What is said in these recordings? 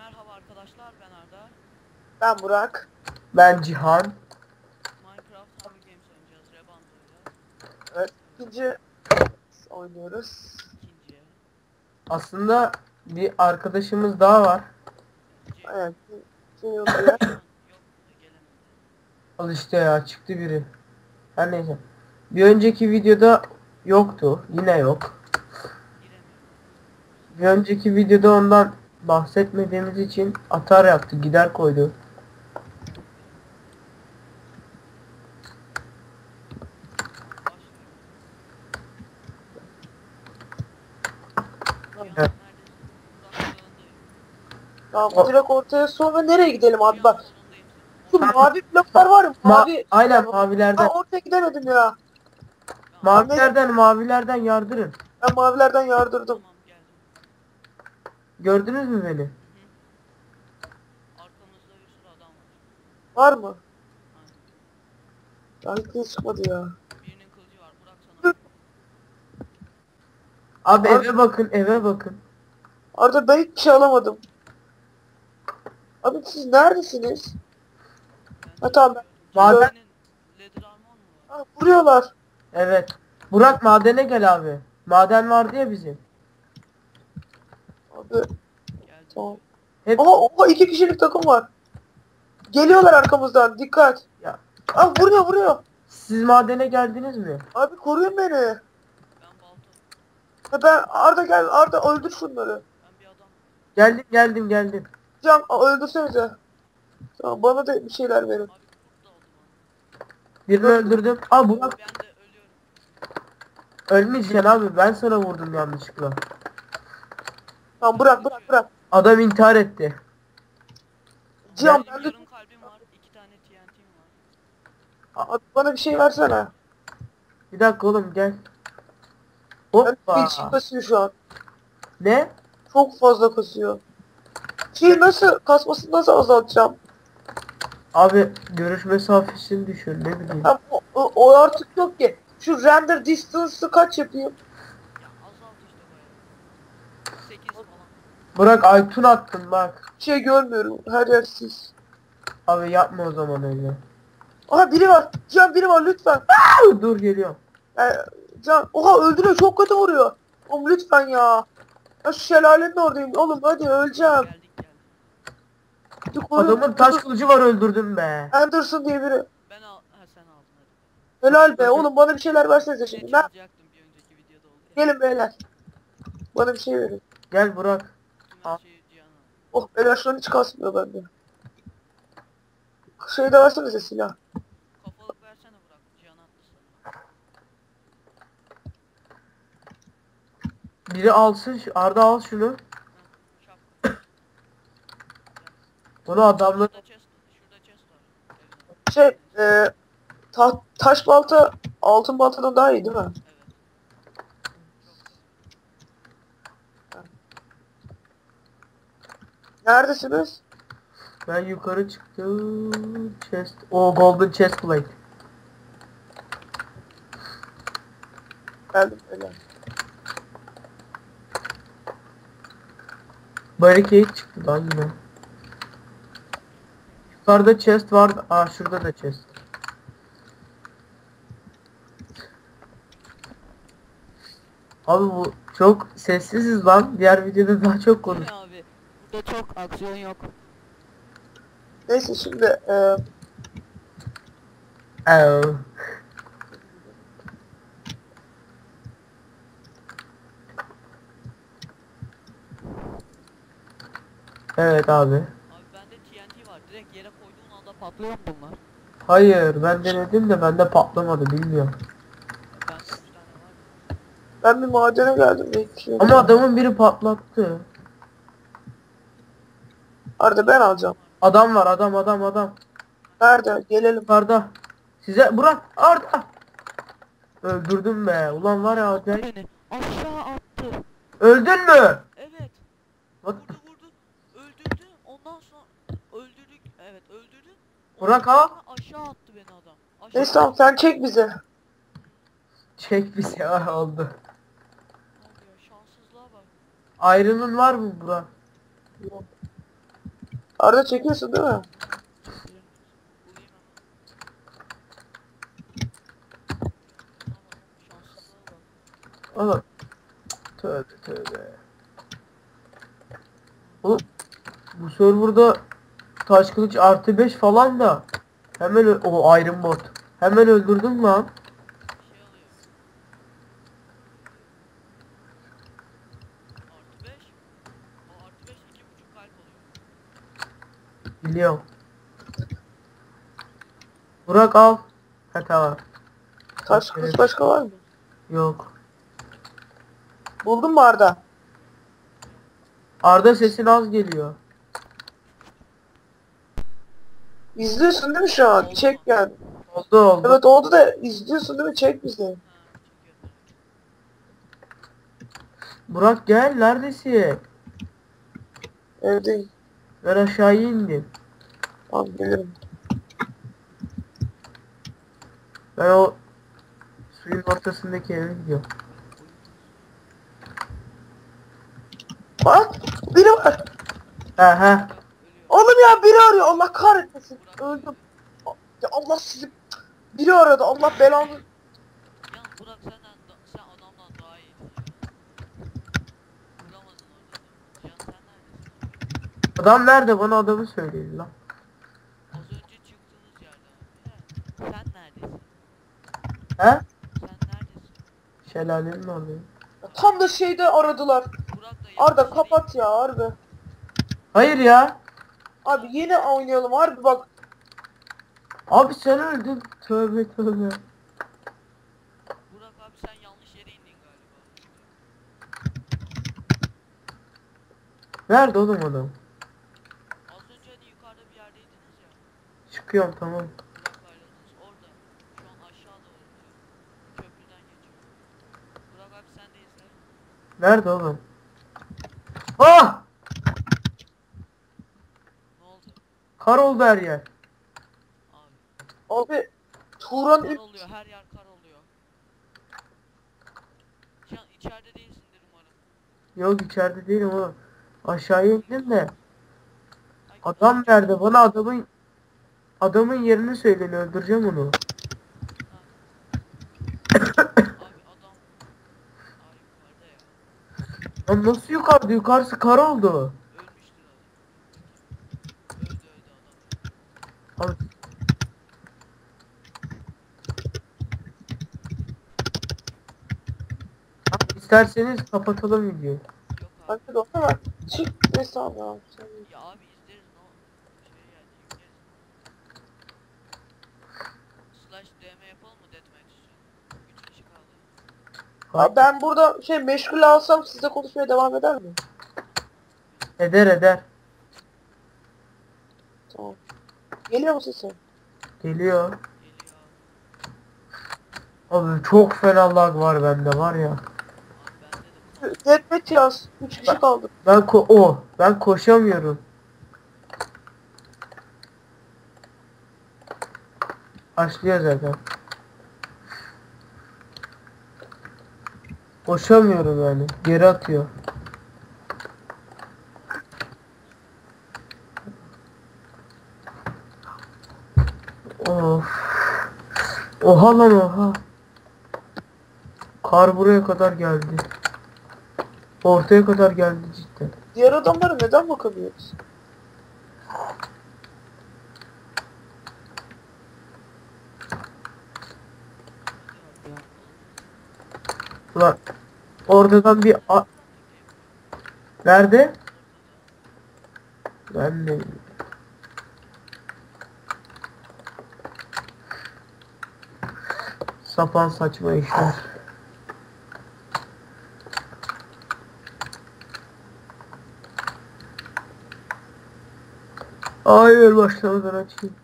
Merhaba arkadaşlar, ben Arda. Ben Burak. Ben Cihan. Minecraft Hunger Games oynayacağız Rebanto ile. Evet. İkinci oynuyoruz. İkinciye. Aslında bir arkadaşımız daha var. Evet. İkinci odaya. Yok gelemedi. Al işte ya, çıktı biri. Her neyse. Bir önceki videoda yoktu. Yine yok. Giremiyor. Bir önceki videoda ondan bahsetmediğimiz için atar yaptı. Gider koydu. Başlıyorum. Evet. Neredesin? Tamam O- direkt ortaya sonra nereye gidelim abi Cihan bak. sonundayım senin. Şu mavi bloklar var ya mavi. Aynen Ben mavilerden. ortaya gidemedim ya. Mavilerden yardırın. Ben mavilerden yardırdım. Tamam geldim. Gördünüz mü beni? Hı hı. Arkamızda bir sürü adam var. Var mı? Aynen. Ya hiç çıkmadı ya. Birinin kılıcı var. Burak sana. Abi Ar- eve bakın, eve bakın. Arada ben hiçbir şey alamadım. Abi siz neredesiniz? Ha, tamam. Maden- Senin leather armor mu var? Ha, vuruyorlar. Evet. Burak madene gel abi. Maden vardı ya bizim. Abi Geldim. tamam. Hep Oha 2 kişilik takım var. Geliyorlar arkamızdan dikkat. ya. Aa vuruyor. Siz madene geldiniz mi? Abi koruyun beni. Ben balta. Ha, ben Arda gel Arda öldür şunları. Ben bir adam. Geldim. Can öldürsenize. Tamam bana da bir şeyler verin. Abi kurt da oldu bana. Birini öldürdüm. Aa Burak Ben de ölüyorum. ölmeyeceksin abi. Ben sana vurdum yanlışlıkla. Tamam bırak. Adam intihar etti. Cihan Benim ben de yarım kalbim var. 2 tane TNT'm var. abi, bana bir şey versene. Bir dakika oğlum gel. Ben Hoppa. içim kasıyor şu an. Ne? Çok fazla kasıyor. Kasmasını nasıl azaltacağım? Abi görüş mesafesini düşür ne bileyim. Ha, o artık yok ki. Şu render distance'ı kaç yapayım? Ya azalt işte bayağı. 8 falan. Burak Aytun attın bak. Bir şey görmüyorum. Her yer sis. Abi yapma o zaman öyle. Aha biri var. Can biri var lütfen. Dur geliyorum. Can oha öldürüyor çok kötü vuruyor. Oğlum lütfen ya. Ya şu şelalenin oradayım. Oğlum hadi öleceğim. Geldik. Hadi koru. Adamın taş kılıcı var öldürdüm be. Anderson diye biri. Sen aldın hadi. Helal be oğlum bana bir şeyler versenize Ne şimdi. çalacaktım bir önceki videoda oldu ya. Gelin beyler. Bana bir şey verin. Gel Burak. Tüm her şeyi Cihan'a. Oh beyler şu an hiç kasmıyor bende. Şey de versenize silah. Kafalık versene Burak. Cihan attı sana. Biri alsın. Arda al şunu. Heh, şap. Bunu adamlar. Şurada chest var. Şey taş balta altın baltadan daha iyi değil mi? Evet. Çok Neredesiniz? Ben yukarı çıktım. Chest. O golden chest plate. Geldim beyler. Barricade çıktı lan yine. Yukarıda chest var. Aa şurada da chest. Abi bu çok sessiziz lan. Diğer videoda daha çok konuş. Ne abi? Burada çok aksiyon yok. Neyse şimdi Evet abi. Abi bende TNT var. Direkt yere koyduğun anda patlıyor mu bunlar? Hayır ben denedim de bende patlamadı bilmiyorum. Bende 3 tane var. ben bir madene geldim. Hiçbir şey yok. Ama adamın biri patlattı. Arda ben alacağım. Adam var adam. Nerede? Gelelim. Yukarıda. Size Burak Arda. Öldürdüm be. Ulan var ya Attı acayip. beni. Aşağı attı. Öldün mü? Evet. What? Vurdu. Öldürdü. Ondan sonra öldürdük. Evet öldürdü. Burak Ondan al. sonra aşağı attı beni adam. Aşağı Neyse tamam sen çek bizi. Çek bir şey oldu. Ne oluyor? Şanssızlığa bak. Iron'un var mı Burak? Yok. Arda çekiyorsun değil mi? Bulayım hemen. Şanssızlığa bak. Oğlum. Tövbe tövbe. Oğlum bu serverda taş kılıç artı 5 falan da hemen o Iron Bot. Hemen öldürdüm lan. Şey alıyor. Artı 5. O artı 5 2,5 kalp oluyor. Biliyorum. Burak al. Ha tamam. Taş kılıç başka var mı? Yok. Buldun mu Arda? Arda sesin az geliyor. İzliyorsun değil mi şu an? Oldu Çek mu? yani. Oldu. Evet oldu da izliyorsun değil mi? Çek bizi. Ha, çekiyorum. Burak gel neredesin? Evdeyim. Ben aşağıya indim. Tamam gelirim. Ben o suyun ortasındaki eve gidiyorum. Bak biri var. He he. Ölüyor. Oğlum ya biri arıyor. Allah kahretmesin. Öldüm. Ya Allah sizi. Biri aradı. Allah belanı. Yalnız Burak sen adamdan daha iyisin ya. Vuramadın orada da. Can sen neredesin? Adam nerede? Bana adamı söyleyin lan. Az önce çıktığınız yerde abi. Sen neredesin? He? Sen neredesin? Şelalenin oradayım. Tam da şeyde aradılar. Burak da Arda yanlış yere kapat ya harbi. Hayır ya. Abi yine oynayalım harbi bak. Abi sen öldün. Tövbe tövbe. Burak abi sen yanlış yere indin galiba. Nerede oğlum adam? Az önce hani yukarıda bir yerdeydiniz ya. Çıkıyorum tamam. Burak'la ayrıldınız. Orada. Şu an aşağı doğru gidiyor. Köprüden geçiyor. Burak abi sen de izle. Nerede oğlum? Ah! Ne oldu? Kar oldu her yer. Abi. Abi Turan Kar oluyor. Her yer kar oluyor. Can içeride değilsindir umarım. Yok içeride değilim oğlum. Aşağıya indim de. Ay, Adam nerede? Bana adamın yerini söyleyin öldüreceğim onu. Abi adam. Aa yukarıda ya. Lan nasıl yukarıda? Yukarısı kar oldu. Ölmüştür adam. Öldü adam. Abi, isterseniz kapatalım videoyu. Yok abi. Hadi de ama çık neyse abi abi. Sen- Ya abi izleriz ne olur. Şey yani yükleriz. Slash DM yapalım mı deathmatch için? 3 kişi kaldı. Abi ben burada şey meşgul alsam size konuşmaya devam eder mi? Eder eder. Tamam. Geliyor mu sesin? Geliyor. Geliyor abi. Abi çok fena lag var bende var ya. Abi bende de bu. Deathmatch yaz. 3 kişi kaldı. Ben koşamıyorum. Başlıyor zaten. Koşamıyorum yani. Geri atıyor. Of. Oha lan oha. Kar buraya kadar geldi. Ortaya kadar geldi cidden. Diğer adamlara neden bakamıyoruz? Ulan oradan Nerede? Ben de sapan saçma işler. Hayır başlamadan açayım.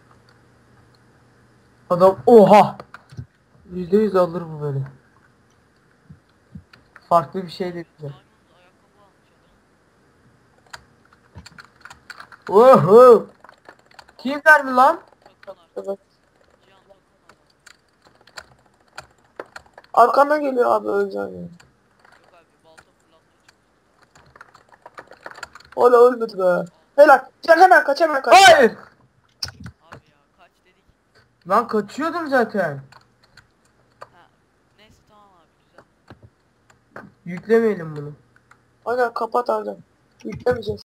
Adam oha. %100 alır bu beni. Farklı bir şey de güzel. Diamond ayakkabı almış adam. Oho. Kim verdi lan? Takılar. Evet. Cihan takın adam. Arkandan geliyor abi öleceksin yani. Yok abi balta fırlatmaya çıktı. Hala ölmedi be. Helal. Can hemen kaç hemen kaç. Hayır. Abi ya kaç dedik. Lan kaçıyordum zaten. Ha. Neyse tamam abi güzel. Yüklemeyelim bunu. Aynen kapat abi. Yüklemeyeceğiz.